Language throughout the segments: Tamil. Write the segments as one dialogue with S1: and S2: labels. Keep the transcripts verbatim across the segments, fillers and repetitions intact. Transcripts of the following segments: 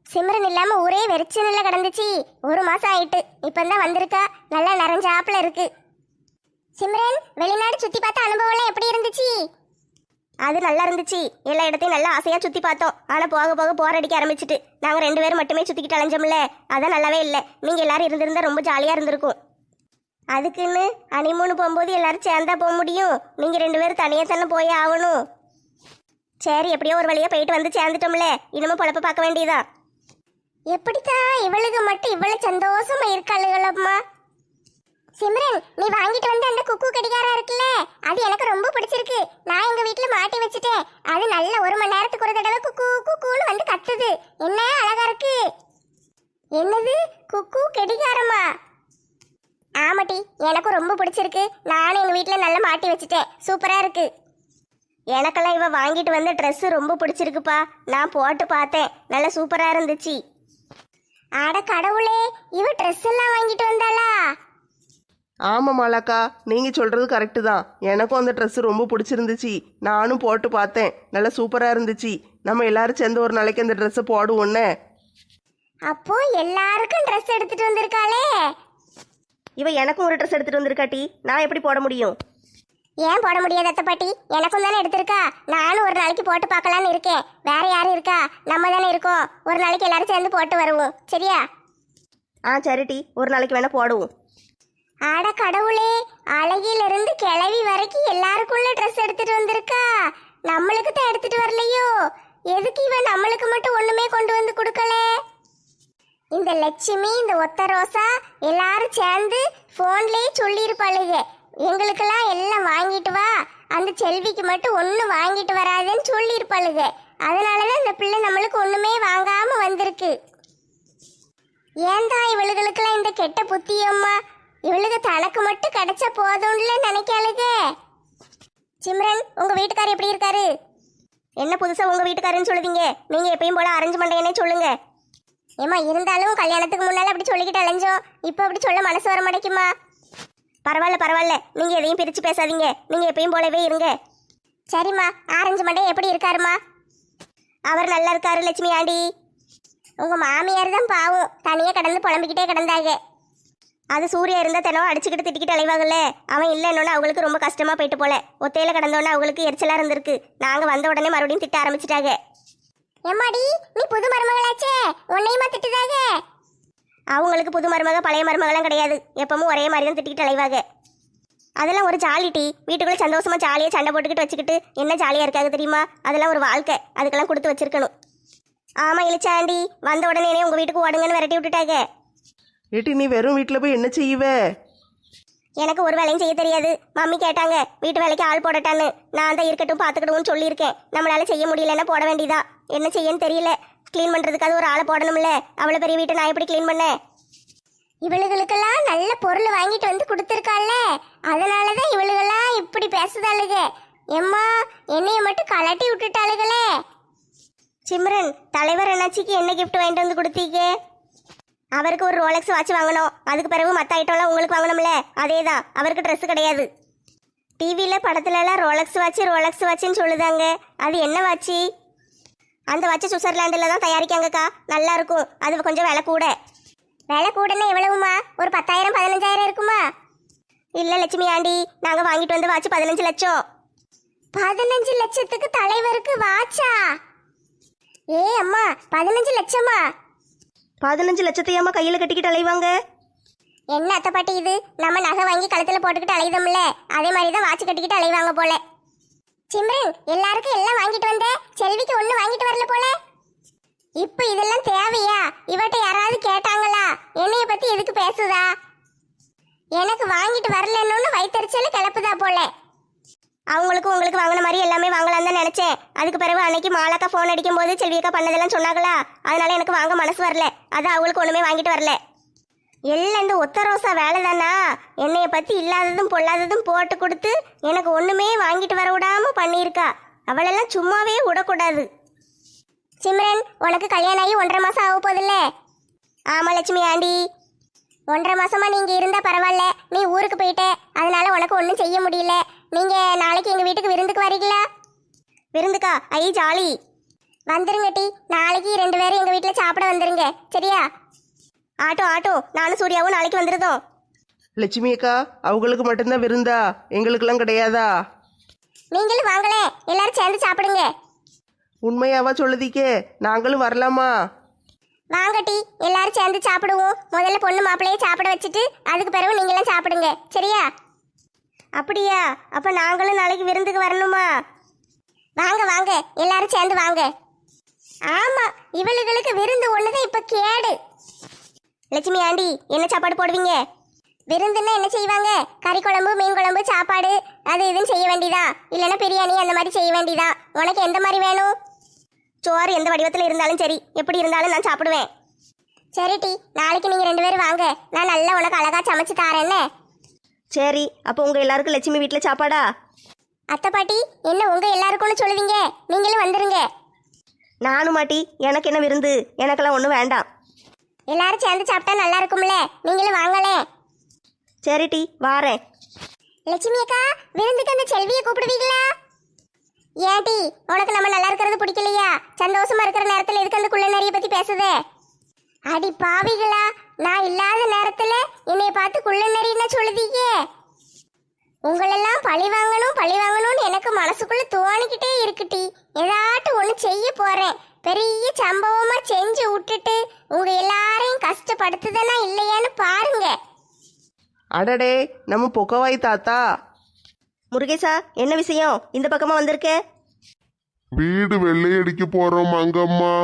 S1: சிம்ரன் இல்லாம ஊரே வெறிச்சனில கிடந்துச்சு. ஒரு மாசம் ஆயிட்டு, இப்பதான் வந்திருக்கா. நல்லா நிறைஞ்சாப்புல இருக்கு. சிம்ரன், வெளிநாடு சுத்தி பார்த்த அனுபவம் எல்லாம் எப்படி இருந்துச்சு? அது நல்லா இருந்துச்சு. எல்லா இடத்தையும் நல்லா ஆசையா சுத்தி பார்த்தோம். ஆனா போக போக போர் அடிக்க ஆரம்பிச்சிட்டு நாங்க ரெண்டு பேரும் மட்டுமே சுத்திக்கிட்டு அலைஞ்சோம்ல, அதான் நல்லாவே இல்லை. நீங்க எல்லாரும் இருந்திருந்தா ரொம்ப ஜாலியா இருந்திருக்கும். அதுக்குன்னு ஹனிமூன் போகும்போது எல்லாரும் சேர்ந்தா போக முடியும்? நீங்க ரெண்டு பேரும் தனியா தானே போய் ஆகணும். சரி, எப்படியோ ஒரு வழியா போயிட்டு வந்து சேர்ந்துட்டோம்ல, இனிமே பொழப்ப பார்க்க வேண்டியதா. எப்படித்தான் இவளுக்கு மட்டும் இவ்வளவு சந்தோஷமா இருக்காளுகளம்மா. சிம்ரன், நீ வாங்கிட்டு வந்த அந்த குக்கு கடிகாரா இருக்குல்ல, அது எனக்கு ரொம்ப பிடிச்சிருக்கு. நான் எங்க வீட்டுல மாட்டி வச்சுட்டேன். அது நல்ல ஒரு மணி நேரத்துக்கு ஒரு தடவை குக்கு குக்குன்னு வந்து கத்துது. என்ன அழகா இருக்கு. என்னது குக்கு கடிகாரமா? ஆமாட்டி, எனக்கும் ரொம்ப பிடிச்சிருக்கு. நானும் எங்க வீட்டுல நல்லா மாட்டி வச்சுட்டேன். சூப்பரா இருக்கு. எனக்கெல்லாம் இவ வாங்கிட்டு வந்த ட்ரெஸ் ரொம்ப பிடிச்சிருக்குப்பா. நான் போட்டு பார்த்தேன், நல்லா சூப்பரா இருந்துச்சு. அட கடவுளே, இவ ட்ரெஸ் எல்லாம் வாங்கிட்டு வந்தாளா?
S2: ஆமாம் மாலாக்கா, நீங்கள் சொல்கிறது கரெக்டு தான். எனக்கும் அந்த ட்ரெஸ்ஸு ரொம்ப பிடிச்சிருந்துச்சு. நானும் போட்டு பார்த்தேன், நல்லா சூப்பராக இருந்துச்சு. நம்ம எல்லாரும் சேர்ந்து ஒரு நாளைக்கு அந்த ட்ரெஸ்ஸை போடுவோன்னே.
S1: அப்போ எல்லாருக்கும் ட்ரெஸ் எடுத்துட்டு வந்திருக்காளே.
S2: இவ எனக்கும் ஒரு ட்ரெஸ் எடுத்துகிட்டு வந்திருக்காட்டி, நான் எப்படி போட முடியும்?
S1: ஏன் போட முடியாது அத்தை பாட்டி? எனக்கும் தானே எடுத்திருக்கா. நானும் ஒரு நாளைக்கு போட்டு பார்க்கலான்னு இருக்கேன். வேற யாரும் இருக்கா? நம்ம தானே இருக்கோம். ஒரு நாளைக்கு எல்லாரும் சேர்ந்து போட்டு வருவோம், சரியா?
S2: ஆ சரிட்டி, ஒரு நாளைக்கு வேணால் போடுவோம்.
S1: ஆட கடவுளே, அழகிலிருந்து கிளவி வரைக்கும் எல்லாருக்குள்ள ட்ரெஸ் எடுத்துட்டு வந்திருக்கா. நம்மளுக்கு தான் எடுத்துட்டு வரலையோ? எதுக்கு இவன் நம்மளுக்கு மட்டும் ஒண்ணுமே கொண்டு வந்து கொடுக்கல? இந்த லட்சுமி, இந்த ஒத்த ரோசா எல்லாரும் சேர்ந்து போன்லயே சொல்லியிருப்பாளுங்க, எங்களுக்கெல்லாம் எல்லாம் வாங்கிட்டு வா, அந்த செல்விக்கு மட்டும் ஒன்னும் வாங்கிட்டு வராதுன்னு சொல்லியிருப்பாளுங்க. அதனாலதான் இந்த பிள்ளை நம்மளுக்கு ஒண்ணுமே வாங்காம வந்திருக்கு. ஏன்தான் இவளுகளுக்கெல்லாம் இந்த கெட்ட புத்தியம்மா? இவளுக்கு தனக்கு மட்டும் கிடைச்ச போதும்ல நினைக்காளுங்க. சிம்ரன், உங்க வீட்டுக்காரர் எப்படி இருக்காரு? என்ன புதுசா உங்க வீட்டுக்காரன்னு சொல்லுவீங்க? நீங்க எப்பயும் போல அரேஞ்ச் பண்றேன்னே சொல்லுங்க. ஏமா, இருந்தாலும் கல்யாணத்துக்கு முன்னால அப்படி சொல்லிக்கிட்டு அலைஞ்சோம். இப்போ அப்படி சொல்ல மனசு வர மாட்டேங்குமா? பரவாயில்ல பரவாயில்ல, நீங்க எதையும் பிரிச்சு பேசாதீங்க. நீங்க எப்பயும் போலவே இருங்க. சரிம்மா, ஆரஞ்சு மண்டே எப்படி இருக்காருமா? அவர் நல்லா இருக்காரு லட்சுமி ஆண்டி. உங்க மாமியார் தான் பாவம், தனியா கடந்து புலம்பிக்கிட்டே கிடந்தாங்க. அது சூர்யா இருந்தா தினம் அடிச்சுக்கிட்டு திட்டிக்கிட்டு அலைவாங்கல்ல. அவன் இல்லைன்னு அவங்களுக்கு ரொம்ப கஷ்டமா போயிட்டு போல. ஒத்தையில கடந்தோன்னே அவங்களுக்கு எரிச்சலா இருந்திருக்கு. நாங்க வந்த உடனே மறுபடியும் திட்ட ஆரம்பிச்சிட்டாங்க. எம்மாடி, நீ புது மருமகளாச்சே, உன்னையுமா திட்டுதாக? அவங்களுக்கு புது மருமக பழைய மருமகெல்லாம் கிடையாது. எப்பவும் ஒரே மாதிரி தான் திட்டிக்கிட்டு அலைவாங்க. அதெல்லாம் ஒரு ஜாலி டி. வீட்டுக்குள்ள சந்தோஷமா ஜாலியா சண்டை போட்டுக்கிட்டு வச்சுக்கிட்டு என்ன ஜாலியா இருக்காது தெரியுமா? அதெல்லாம் ஒரு வாழ்க்கை. அதுக்கெல்லாம் கொடுத்து வச்சிருக்கணும். ஆமா இளிச்சாண்டி, வந்த உடனே உங்க வீட்டுக்கு ஓடுங்கன்னு விரட்டி விட்டுட்டாங்க.
S2: ஏட்டி, நீ வெறும் வீட்டில் போய் என்ன செய்வ?
S1: எனக்கு ஒரு வேலையும் செய்ய தெரியாது. மம்மி கேட்டாங்க வீட்டு வேலைக்கு ஆள் போடட்டான்னு. நான் தான் இருக்கட்டும் பார்த்துக்கிடுவோன்னு சொல்லியிருக்கேன். நம்மளால செய்ய முடியலன்னா போட வேண்டியதா. என்ன செய்யன்னு தெரியல. க்ளீன் பண்ணுறதுக்காவது ஒரு ஆளை போடணும்ல. அவ்வளோ பெரிய வீட்டை நான் எப்படி க்ளீன் பண்ணேன்? இவளுகளுக்கெல்லாம் நல்ல பொருள் வாங்கிட்டு வந்து கொடுத்துருக்காள்ல, அதனாலதான் இவளுகெல்லாம் இப்படி பேசுதாளுக. எம்மா, என்னைய மட்டும் கலட்டி விட்டுட்டாளுகளே. சிம்ரன், தலைவர் என்னாச்சிக்கு என்ன கிஃப்ட் வாங்கிட்டு வந்து கொடுத்தீங்க? அவருக்கு ஒரு ரோலெக்ஸ் வாட்ச் வாங்கணும். அதுக்கு பிறகு மற்ற ஐட்டம்லாம் உங்களுக்கு வாங்கணும்ல, அதே தான். அவருக்கு ட்ரெஸ் கிடையாது. டிவியில் படத்துலலாம் ரோலெக்ஸ் வாட்ச் ரோலெக்ஸ் வாட்சுன்னு சொல்லுதாங்க. அது என்ன வாட்சி? அந்த வாட்ச் சுவிட்சர்லாண்டில் தான் தயாரிக்காங்கக்கா. நல்லா இருக்கும். அது கொஞ்சம் விலை கூட. விலை கூடன்னா எவ்வளவுமா? ஒரு பத்தாயிரம் பதினஞ்சாயிரம் இருக்குமா? இல்லை லட்சுமி ஆண்டி, நாங்கள் வாங்கிட்டு வந்த வாட்ச் பதினஞ்சு லட்சம். பதினஞ்சு லட்சத்துக்கு தலைவருக்கு வாட்சா? ஏ அம்மா, பதினஞ்சு லட்சமா?
S2: பதினஞ்சு லட்சத்தையாம்மா கையில் கட்டிக்கிட்டு அலைவாங்க.
S1: என்ன அத்தை பாட்டி இது? நம்ம நகை வாங்கி கழுத்துல போட்டுக்கிட்டு அலையுதோம்ல, அதே மாதிரி தான் வாட்ச் கட்டிக்கிட்டு அலைவாங்க போல. சிம்ரன், எல்லாருக்கும் எல்லாம் வாங்கிட்டு வந்த, செல்விக்கு ஒண்ணு வாங்கிட்டு வரல போல. இப்ப இதெல்லாம் தேவையா? இவட்ட யாராவது கேட்டாங்களா? என்னைய பத்தி எதுக்கு பேசுதா? எனக்கு வாங்கிட்டு வரலன்னு வயிற்றுச்சல கிளப்புதா போல. அவங்களுக்கு உங்களுக்கு வாங்கின மாதிரி எல்லாமே வாங்கலாம் தான் நினைச்சேன். அதுக்கு பிறகு அன்னைக்கு மாலாக்கா ஃபோன் அடிக்கும் போது செல்வியக்கா பண்ணதெல்லாம் சொன்னாங்களா, அதனால எனக்கு வாங்க மனசு வரல. அதான் அவங்களுக்கு ஒண்ணுமே வாங்கிட்டு வரல. எல்லாம் இந்த ஒத்த ரோசா வேலை தானா? என்னைய பத்தி இல்லாததும் பொல்லாததும் போட்டு கொடுத்து எனக்கு ஒண்ணுமே வாங்கிட்டு வர விடாம பண்ணியிருக்கா. அவளெல்லாம் சும்மாவே விடக்கூடாது. சிம்ரன், உனக்கு கல்யாணம் ஆகி ஒன்றரை மாசம் ஆக போதில்ல? ஆமா லட்சுமி ஆண்டி. ஒன்றரை மாசமா நீங்க இருந்தா பரவாயில்ல. நீ ஊருக்கு போயிட்ட, அதனால உனக்கு ஒன்றும் செய்ய முடியல. நீங்க நாளைக்கு எங்க வீட்டுக்கு விருந்துக்கு வரீங்களா? விருந்துக்கா? ஐ ஜாலி. வந்துருங்க டி, நாளைக்கு ரெண்டு பேரும் எங்க வீட்டுல சாப்பிட வந்துருங்க சரியா?
S3: ஆட்டோ ஆட்டோ, நானும் சூர்யாவும் நாளைக்கு வந்துருதோம்.
S2: லட்சுமி அக்கா அவங்களுக்கு மட்டும்தான் விருந்தா, எங்களுக்கெல்லாம் கிடையாதா?
S1: நீங்களும் வாங்களே, எல்லாரும் சேர்ந்து சாப்பிடுங்க.
S2: உண்மையாவா சொல்லுதீக்கே? நாங்களும் வரலாமா?
S1: வாங்க டி, எல்லாரும் சேர்ந்து சாப்பிடுவோம். முதல்ல பொண்ணு மாப்பிள்ளையே சாப்பிட வச்சுட்டு அதுக்கு பிறகு நீங்களாம் சாப்பிடுங்க சரியா?
S3: அப்படியா? அப்ப நாங்களும் நாளைக்கு விருந்துக்கு வரணுமா?
S1: வாங்க வாங்க, எல்லாரும் சேர்ந்து வாங்க. ஆமா, இவளுகளுக்கு விருந்து ஒண்ணுதான் இப்ப கேடு.
S3: லட்சுமி ஆண்டி, என்ன சாப்பாடு போடுவீங்க?
S1: விருந்துன்னா என்ன செய்வாங்க? கறி குழம்பு, மீன் குழம்பு, சாப்பாடு அது இதுன்னு செய்ய வேண்டியதா, இல்லைன்னா பிரியாணி அந்த மாதிரி செய்ய வேண்டியதா. உனக்கு எந்த மாதிரி வேணும்?
S3: சோறு எந்த வடிவத்தில் இருந்தாலும் சரி, எப்படி இருந்தாலும் நான் சாப்பிடுவேன்.
S1: சரி டி, நாளைக்கு நீங்க ரெண்டு பேரும் வாங்க, நான் நல்லா உனக்கு அழகா சமைச்சு தாரேன்னு.
S3: சரி, அப்போ உங்க எல்லாருக்கும் லட்சுமி வீட்டில் சாப்பாடா?
S1: அத்தை பாட்டி, என்ன உங்க எல்லாருக்கும்னு சொல்லுவீங்க? நீங்களும் வந்துருங்க.
S3: நானும் மாட்டி, எனக்கு என்ன விருந்து? எனக்கெல்லாம் ஒன்றும் வேண்டாம்.
S1: எல்லாரும் சேர்ந்து சாப்பிட்டா நல்லா இருக்கும்ல, நீங்களும் வாங்களே.
S3: சரி டி, வாரேன்.
S1: லட்சுமி அக்கா, விருந்துக்கு அந்த செல்வியை கூப்பிடுவீங்களா? ஏன் டி, உனக்கு நம்ம நல்லா இருக்கிறது பிடிக்கலையா? சந்தோஷமா இருக்கிற நேரத்துல எதுக்கு அந்த குள்ள நிறைய பத்தி பேசுதே? அடி பாவிகளா, நான் இல்லாத நேரத்துல என்னைய பார்த்து குள்ள நெறின்னு சொல்லுதீங்க. உங்களெல்லாம் பழி வாங்கணும் பழி வாங்கணும்னு எனக்கு மனசுக்குள்ள தோணிக்கிட்டே இருக்குட்டி. ஏதாட்டும் ஒண்ணு செய்ய போறேன், பெரிய சம்பவமா செஞ்சு விட்டுட்டு உங்க எல்லாரையும் கஷ்டப்படுத்துதனா இல்லையான்னு பாருங்க.
S2: அடடே, நம்ம பொக்கவாய் தாத்தா.
S3: முருகேசா, என்ன விஷயம் இந்த பக்கமா வந்திருக்க?
S4: வீடு வெள்ளையடிக்க போறோம் மங்கம்மா.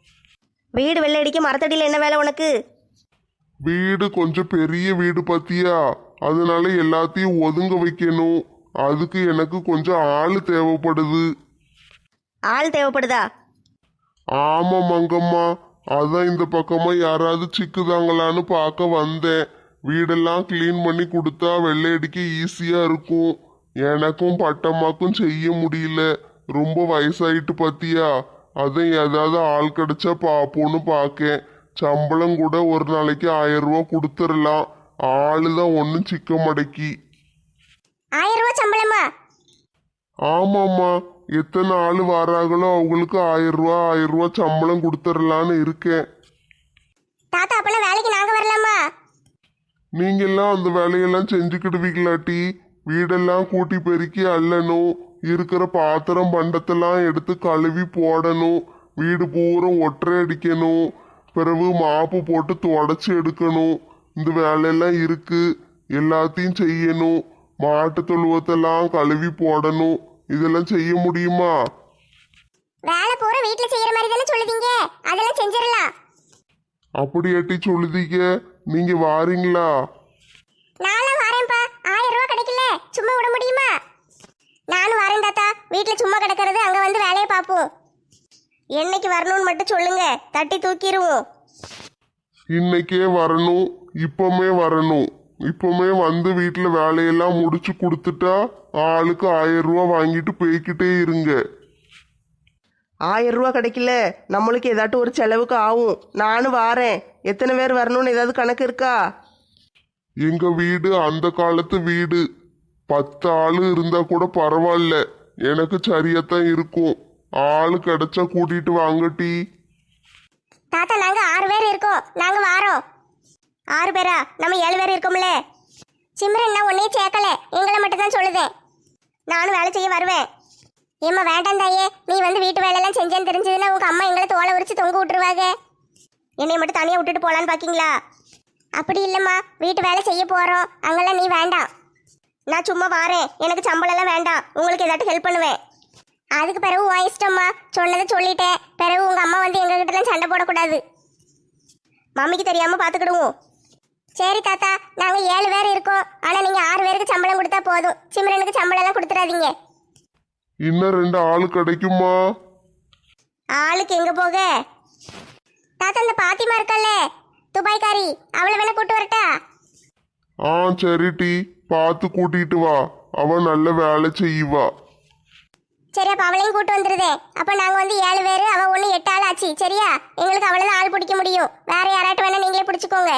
S3: வீடு வெள்ளை அடிக்க மரத்தடியில் என்ன வேலை உனக்கு?
S4: வீடு கொஞ்சம் பெரிய வீடு பத்தியா, அதனால எல்லாத்தையும் ஒதுங்க வைக்கணும். அதுக்கு எனக்கு கொஞ்சம் ஆள் தேவைப்படுது.
S3: ஆள் தேவைப்படுதா?
S4: ஆமா மங்கம்மா, அதான் இந்த பக்கமா யாராவது சிக்குதாங்களான்னு பார்க்க வந்தேன். வீடெல்லாம் கிளீன் பண்ணி கொடுத்தா வெள்ளையடிக்க ஈஸியா இருக்கும். எனக்கும் பட்டம்மாக்கும் செய்ய முடியல, ரொம்ப வயசாயிட்டு பத்தியா. அதான் ஏதாவது ஆள் கிடைச்சா பாப்போன்னு பார்க்கேன். சம்பளம் கூட ஒரு நாளைக்கு ஆயிரம் ரூபா கொடுத்துடலாம். ஆளுதான் ஒன்றும் சிக்க மடக்கி.
S1: ஆயிரம் ரூபாய் சம்பளமா?
S4: ஆமாம்மா, எத்தனை ஆள் வராங்களோ அவங்களுக்கு ஆயிரம் ரூபா ஆயிரம் ரூபா சம்பளம் கொடுத்துடலான்னு இருக்கேன்.
S1: தாத்தா, அப்பெல்லாம் வேலைக்கு நாங்க வரலாமா?
S4: நீங்கெல்லாம் அந்த வேலையெல்லாம் செஞ்சுக்கிடுவீங்களாட்டி? வீடெல்லாம் கூட்டி பெருக்கி அள்ளணும், இருக்கிற பாத்திரம் பண்டத்தெல்லாம் எடுத்து கழுவி போடணும், வீடு பூரா ஒற்றை அடிக்கணும், பிறகு மாப்பு போட்டு தொடச்சி எடுக்கணும். இந்த வேலையெல்லாம் இருக்கு, எல்லாத்தையும் செய்யணும். மாட்டு தொழுவத்தெல்லாம் கழுவி போடணும். இதெல்லாம் செய்ய முடியுமா?
S1: வேலை பூரா வீட்டுல செய்யற மாதிரி தானே சொல்லுதீங்க, அதெல்லாம் செஞ்சிடலாம்.
S4: அப்படியாட்டி சொல்லுதீங்க, நீங்க வாரீங்களா?
S1: நானும் வரேன்ப்பா. ஆயிரம் ரூபாய் கிடைக்கல, சும்மா விட முடியுமா? நானும் வரேன் தாத்தா. வீட்டுல சும்மா கிடக்கிறது, அங்க வந்து வேலையை பார்ப்போம்.
S3: என்னைக்கு வரணும்னு மட்டும் சொல்லுங்க, தட்டி தூக்கிடுவோம்.
S4: இன்னைக்கே வரணும், இப்பமே வரணும். இப்பமே வந்து வீட்டில் வேலையெல்லாம் முடிச்சு கொடுத்துட்டா ஆளுக்கு ஆயிரம் ரூபா வாங்கிட்டு போய்கிட்டே இருங்க.
S2: ஆயிரம் ரூபா கிடைக்கல, நம்மளுக்கு ஏதாட்டும் ஒரு செலவுக்கு ஆகும். நானும் வாரேன். எத்தனை பேர் வரணும்னு ஏதாவது கணக்கு இருக்கா?
S4: எங்க வீடு அந்த காலத்து வீடு. பத்து ஆளு இருந்தா கூட பரவாயில்ல, எனக்கு சரியாத்தான் இருக்கும். ஆளு கிடைச்சா கூட்டிட்டு வாங்கட்டி.
S1: தாத்தா, நாங்க ஆறு பேர் இருக்கோம், நாங்க வாரோம்.
S3: ஆறு பேரா? நம்ம ஏழு பேர் இருக்கோம்ல.
S1: சிம்ரன், நான் உன்னையும் சேர்க்கல, எங்களை மட்டும் தான் சொல்லுதேன்.
S3: நானும் வேலை செய்ய வருவேன்.
S1: ஏம்மா வேண்டாம் தாயே, நீ வந்து வீட்டு வேலையெல்லாம் செஞ்சேன்னு தெரிஞ்சதுன்னா உங்க அம்மா எங்களை தோலை உரிச்சு தொங்க விட்டுருவாங்க.
S3: என்னை மட்டும் தனியாக விட்டுட்டு போகலான்னு பார்க்கீங்களா?
S1: அப்படி இல்லைம்மா, வீட்டு வேலை செய்ய போறோம், அங்கெல்லாம் நீ வேண்டாம்.
S3: நான் சும்மா வாரேன், எனக்கு சம்பளம் எல்லாம் வேண்டாம். உங்களுக்கு ஏதாட்டும் ஹெல்ப் பண்ணுவேன்.
S1: அதுக்கு பிறகு உன் இஷ்டம்மா, சொன்னதை சொல்லிட்டேன். பிறகு உங்க அம்மா வந்து எங்க கிட்டலாம் சண்டை போடக்கூடாது.
S3: மம்மிக்கு தெரியாம பார்த்துக்கிடுவோம்.
S1: சரி தாத்தா, நாங்க ஏழு பேர் இருக்கோம், ஆனா நீங்க ஆறு பேருக்கு சம்பளம் கொடுத்தா போதும். சிம்ரனுக்கு சம்பளம் எல்லாம் கொடுத்துடாதீங்க.
S4: இன்னும் ரெண்டு ஆளு கிடைக்குமா?
S3: ஆளுக்கு எங்க போக?
S1: தாத்தா, இந்த பாத்திமா இருக்கல்ல, துபாய்க்காரி, அவளை வேணா கூட்டு வரட்டா?
S4: ஆ சரிட்டி, பார்த்து கூட்டிட்டு வா, அவ நல்ல வேலை செய்வா.
S1: சரி, அப்ப அவளையும் கூட்டு வந்துருதே. அப்ப நாங்க வந்து ஏழு பேரு, அவ ஒண்ணு எட்டு ஆள் ஆச்சு. சரியா? எங்களுக்கு அவ்வளவுதான் ஆள் பிடிக்க முடியும். வேற யாராட்டும் வேணா நீங்களே பிடிச்சுக்கோங்க.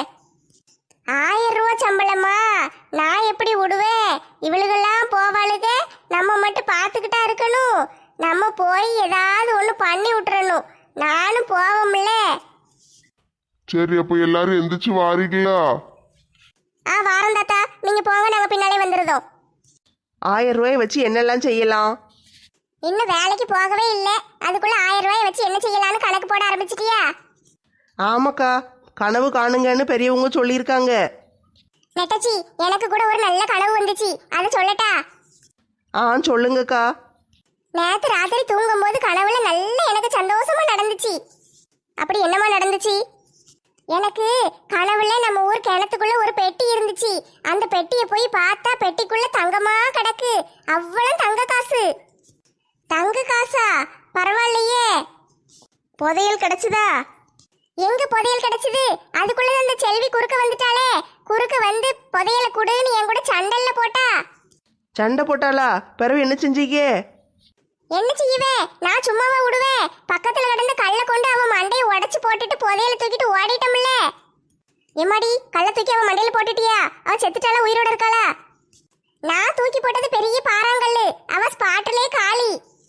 S1: ஆயிரம் ரூபாய் சம்பளமா? நான் எப்படி விடுவேன்? இவளுகெல்லாம் போவாளுக, நம்ம மட்டும் பார்த்துக்கிட்டா இருக்கணும். நம்ம போய் ஏதாவது ஒன்று பண்ணி விட்டுறணும். நானும் போவோம்ல.
S4: சரி, அப்ப எல்லாரும் எந்திரிச்சு வாரீங்களா?
S1: ஆ வாரம் தாத்தா, நீங்க போங்க, நாங்க பின்னாலே வந்துருதோம்.
S2: ஆயிரம் ரூபாயை வச்சு என்னெல்லாம் செய்யலாம்?
S1: இன்னும் வேலைக்கு போகவே இல்லை, அதுக்குள்ள ஆயிரம் ரூபாயை வச்சு என்ன செய்யலாம்னு கணக்கு போட ஆரம்பிச்சிட்டியா?
S2: ஆமாக்கா, கனவு காணுங்கன்னு பெரியவங்க சொல்லியிருக்காங்க.
S1: நெட்டச்சி, எனக்கு கூட ஒரு நல்ல கனவு வந்துச்சு, அதை சொல்லட்டா?
S2: ஆ சொல்லுங்கக்கா.
S1: நேத்து ராத்திரி தூங்கும் போது கனவுல நல்ல எனக்கு சந்தோஷமா நடந்துச்சு. அப்படி என்னமா நடந்துச்சு? எனக்கு கனவுல நம்ம ஊர் கிணத்துக்குள்ள ஒரு பெட்டி இருந்துச்சு. அந்த பெட்டியை போய் பார்த்தா பெட்டிக்குள்ள தங்கமா கிடக்கு. அவ்வளவு தங்க காசு. தங்க காசா? பரவாயில்லையே. புதையல் கிடைச்சதா? எங்க புதையல் கிடைச்சது? அதுக்குள்ள அந்த செல்வி குறுக்க வந்துட்டாளே. குறுக்க வந்து புதையலை குடுன்னு என் கூட சண்டல்ல போட்டா.
S2: சண்டை போட்டாளா? பிறகு என்ன செஞ்சீங்க?
S1: என்ன செய்வே, நான் சும்மாவா விடுவேன்? பக்கத்துல கிடந்த கல்லை கொண்டு அவன் மண்டையை உடைச்சு போட்டுட்டு புதையல தூக்கிட்டு ஓடிட்டோம்ல. எம்மாடி, கல்லை தூக்கி அவன் மண்டையில போட்டுட்டியா? அவன் செத்துட்டாளா உயிரோட இருக்காளா? நான் தூக்கி போட்டது பெரிய பாறாங்கல்லு, அவ ஸ்பாட்லயே காலி.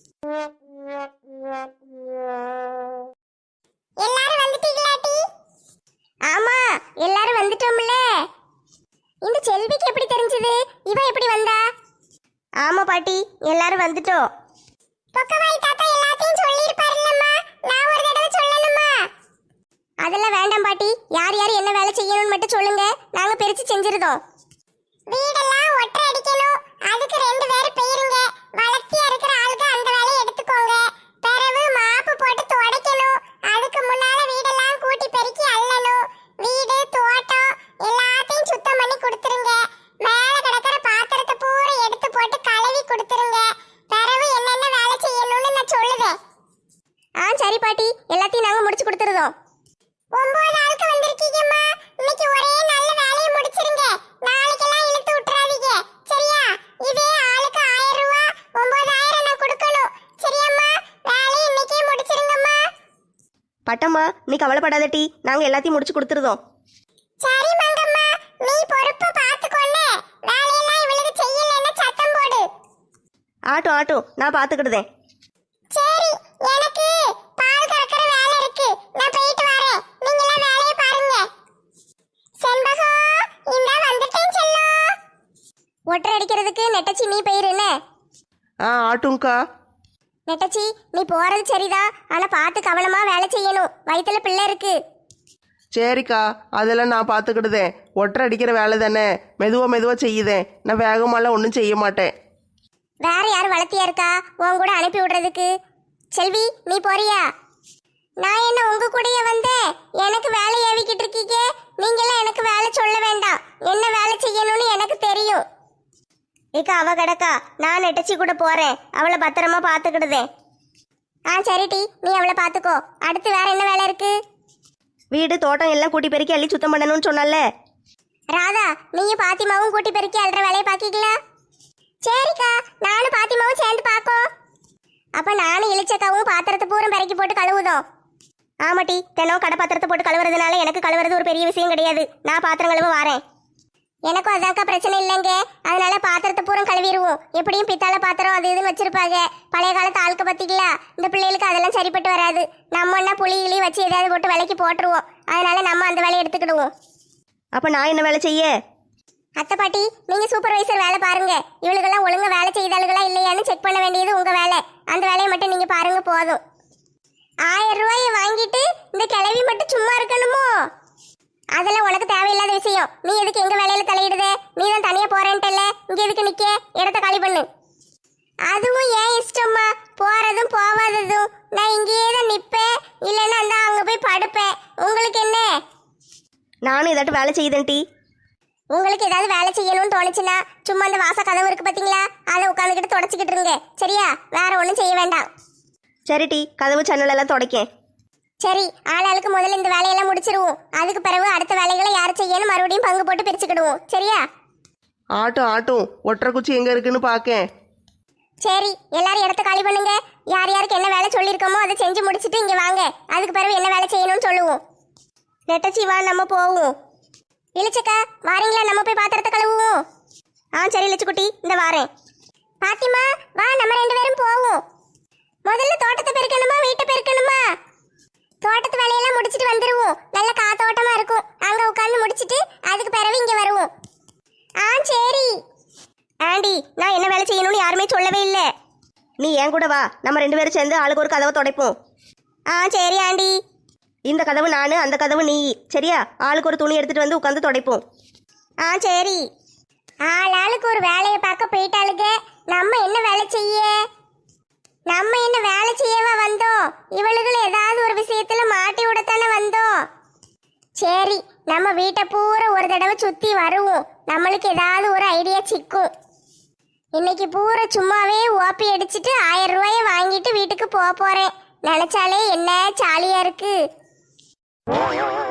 S1: எல்லாரும் வந்துட்டீங்களாட்டி? ஆமா, எல்லாரும் வந்துட்டோம்ல. இந்த செல்விக்கு எப்படி தெரிஞ்சது? இவ எப்படி வந்தா?
S3: ஆமா பாட்டி, எல்லாரும் வந்துட்டோம்.
S1: பொக்கவாய் தாத்தா எல்லாத்தையும் சொல்லியிருப்பாருல்லம்மா, நான் ஒரு தடவை சொல்லணுமா? அதெல்லாம் வேண்டாம் பாட்டி, யார் யார் என்ன வேலை செய்யணும்னு மட்டும் சொல்லுங்க, நாங்க பிரிச்சு செஞ்சிருதோம். வீடெல்லாம் ஒற்றை அடிக்கணும், அதுக்கு ரெண்டு பேர் போயிருங்க. வளர்த்தியா இருக்கிற ஆளுக்கு அந்த வேலையை எடுத்துக்கோங்க. பிறகு மாப்பு போட்டு துடைக்கணும், அதுக்கு முன்னால வீடெல்லாம் கூட்டி பெருக்கி அள்ளணும். வீடு தோட்டம் எல்லாத்தையும் சுத்தம் பண்ணி கொடுத்துருங்க. மேல கிடக்கிற பாத்திரத்தை பூரா எடுத்து போட்டு கழுவி கொடுத்துருங்க. பிறகு என்னென்ன வேலை செய்யணும்னு நான் சொல்லுவேன். ஆ சரி பாட்டி, எல்லாத்தையும் நாங்க முடிச்சு கொடுத்துருதோம். ஒன்பது ஆளுக்கு வந்திருக்கீங்கம்மா, இன்னைக்கு ஒரே நல்ல வேலையை முடிச்சிருங்க. நாளைக்கெல்லாம் இழுத்து விட்டுறாதீங்க, சரியா? இதே ஆளுக்கு ஆயிரம் ரூபாய், ஒன்பதாயிரம் நான் கொடுக்கணும், சரியாம்மா? வேலையை இன்னைக்கே முடிச்சிருங்கம்மா.
S3: பட்டம்மா, நீ கவலைப்படாதட்டி, நாங்க எல்லாத்தையும் முடிச்சு கொடுத்துருதோம்.
S1: சரி மங்கம்மா, நீ பொறுப்பை பார்த்துக்கொள்ள. வேலையெல்லாம் இவளுக்கு செய்யலைன்னா சத்தம் போடு.
S3: ஆட்டும் ஆட்டும், நான் பார்த்துக்கிடுதேன்.
S1: சரி, எனக்கு பால் கறக்கிற வேலை இருக்கு, நான் போயிட்டு வரேன். நீங்க எல்லாம் வேலையை பாருங்க. செண்பகம், இந்த வந்துட்டேன் செல்லம். ஒட்டர் அடிக்கிறதுக்கு நெட்டச்சி நீ போயிருன்னு.
S2: ஆ ஆட்டும்க்கா.
S1: நெட்டச்சி, நீ போறது சரிதான், ஆனா பார்த்து கவனமா வேலை செய்யணும். வயித்துல பிள்ளை இருக்கு.
S2: சரிக்கா, அதெல்லாம் நான் பார்த்துக்கிடுதேன். ஒற்றை அடிக்கிற வேலை தானே, மெதுவாக மெதுவாக செய்யுதேன். நான் வேகமாலாம் ஒன்றும் செய்ய மாட்டேன்.
S1: வேற யார் வளர்த்தியா இருக்கா உன் கூட அனுப்பி விடுறதுக்கு? செல்வி, நீ போறியா? நான் என்ன உங்க கூடயே வந்தேன்? எனக்கு வேலை ஏவிக்கிட்டு இருக்கீங்க. நீங்களாம் எனக்கு வேலை சொல்ல வேண்டாம், என்ன வேலை செய்யணும்னு எனக்கு தெரியும்.
S3: ஏக்கா, அவ கிடக்கா, நான் நெட்டச்சி கூட போறேன். அவளை பத்திரமா பார்த்துக்கிடுதேன்.
S1: ஆ சரிட்டி, நீ அவளை பார்த்துக்கோ. அடுத்து வேற என்ன வேலை இருக்கு?
S3: வீடு தோட்டம் எல்லாம் கூட்டி பெருக்கி அள்ளி சுத்தம் பண்ணணும்னு சொன்னால.
S1: ராதா, நீயும் பாத்திமாவும் கூட்டி பெருக்கி அல்ற வேலையை பாக்கிக்கல? சரிக்கா, நானும் பாத்திமாவும் சேர்ந்து பாக்கோம். அப்ப நானும் இளிச்சக்காவும் பாத்திரத்தை பூரம் பெருக்கி போட்டு கழுவுதோம்.
S3: ஆமாட்டி, தினம் கடை பாத்திரத்தை போட்டு கழுவுறதுனால எனக்கு கழுவுறது ஒரு பெரிய விஷயம் கிடையாது. நான் பாத்திரம் கழுவ வாரேன்.
S1: எனக்கும் அதாக்கா பிரச்சனை இல்லைங்க. அதனால பாத்திரத்தை பூரம் கழுவிடுவோம். எப்படியும் பித்தாளை பாத்திரம் அது இதுன்னு வச்சிருப்பாங்க. பழைய காலத்து ஆளுக்க பத்திங்களா, இந்த பிள்ளைகளுக்கு அதெல்லாம் சரிப்பட்டு வராது. நம்ம என்ன புளி கிளி வச்சு ஏதாவது போட்டு விலைக்கு போட்டுருவோம். அதனால நம்ம அந்த வேலையை எடுத்துக்கிடுவோம்.
S3: அப்ப நான் என்ன வேலை செய்ய?
S1: அத்தை பாட்டி, நீங்க சூப்பர்வைசர் வேலை பாருங்க. இவளுக்கெல்லாம் ஒழுங்கா வேலை செய்தாளுகளா இல்லையான்னு செக் பண்ண வேண்டியது உங்க வேலை. அந்த வேலையை மட்டும் நீங்க பாருங்க போதும். ஆயிரம் ரூபாயை வாங்கிட்டு இந்த கிளவி மட்டும் சும்மா இருக்கணுமோ? அதெல்லாம் உனக்கு தேவையில்லாத விஷயம். நீ எதுக்கு எங்க வேலையில தலையிடுதே? நீ தான் தனியா போறேன்ட்டல்ல, இங்க எதுக்கு நிக்க? இடத்த காலி பண்ணு. அதுவும் ஏன் இஷ்டம்மா, போறதும் போவாததும். நான் இங்கேயே தான் நிப்பேன், இல்லைன்னா அந்த அங்க போய் படுப்பேன். உங்களுக்கு என்ன?
S3: நானும் ஏதாட்டும் வேலை செய்யுதேன் டி.
S1: உங்களுக்கு ஏதாவது வேலை செய்யணும்னு தோணுச்சுன்னா சும்மா அந்த வாச கதவு இருக்கு பாத்தீங்களா, அதை உட்காந்துக்கிட்டு தொடச்சிக்கிட்டு இருங்க, சரியா? வேற ஒன்றும் செய்ய வேண்டாம்.
S3: சரி டி, கதவு சன்னல் எல்லாம் துடைக்கேன்.
S1: சரி, ஆளாளுக்கு முதல்ல இந்த வேலையெல்லாம் முடிச்சிருவோம். அதுக்கு பிறகு அடுத்த வேலைகளை யார் செய்யணும் மறுபடியும் பங்கு போட்டு பிரிச்சுக்கிடுவோம், சரியா?
S2: ஆட்டும் ஆட்டும், ஒற்றை குச்சி எங்கே இருக்குன்னு பார்க்கேன்.
S1: சரி, எல்லாரும் இடத்த காலி பண்ணுங்க. யார் யாருக்கு என்ன வேலை சொல்லியிருக்கோமோ அதை செஞ்சு முடிச்சுட்டு இங்கே வாங்க. அதுக்கு பிறகு என்ன வேலை செய்யணும்னு சொல்லுவோம்.
S3: நெட்டச்சி வா, நம்ம போவோம்.
S1: இளிச்சக்கா, வாரீங்களா? நம்ம போய் பாத்திரத்தை கழுவுவோம்.
S3: ஆ சரி லட்சுக்குட்டி, இந்த வாரேன்.
S1: பாத்திமா, வா, நம்ம ரெண்டு பேரும் போவோம். முதல்ல தோட்டத்தை பெருக்கணுமா வீட்டை பெருக்கணுமா? தோட்டத்து வேலையெல்லாம் முடிச்சிட்டு வந்துருவோம். நல்ல காத்தோட்டமா இருக்கும். அங்க உட்கார்ந்து முடிச்சிட்டு அதுக்கு பிறகு இங்க வருவோம். ஆ சரி.
S3: ஆண்டி, நான் என்ன வேலை செய்யணும்னு யாருமே சொல்லவே இல்லை. நீ என் கூட வா, நம்ம ரெண்டு பேரும் சேர்ந்து ஆளுக்கு ஒரு கதவை துடைப்போம்.
S1: ஆ சரி ஆண்டி.
S3: இந்த கதவு நானு, அந்த கதவு நீ. சரியா? ஆளுக்கு ஒரு துணி எடுத்துட்டு வந்து உட்காந்து துடைப்போம்.
S1: ஆ சரி. ஆளாளுக்கு ஒரு வேலையை பார்க்க போயிட்டாளுங்க. நம்ம என்ன வேலை செய்ய? நம்ம என்ன வேலை செய்யவா வந்தோம்? இவளுகள் ஏதாவது ஒரு விஷயத்துல மாட்டி விடத்தானே வந்தோம். சரி, நம்ம வீட்டை பூரா ஒரு தடவை சுத்தி வருவோம். நம்மளுக்கு ஏதாவது ஒரு ஐடியா சிக்கும். இன்னைக்கு பூரா சும்மாவே ஓப்பி அடிச்சிட்டு ஆயிரம் ரூபாய வாங்கிட்டு வீட்டுக்கு போக போறேன். நினைச்சாலே என்ன ஜாலியா இருக்கு.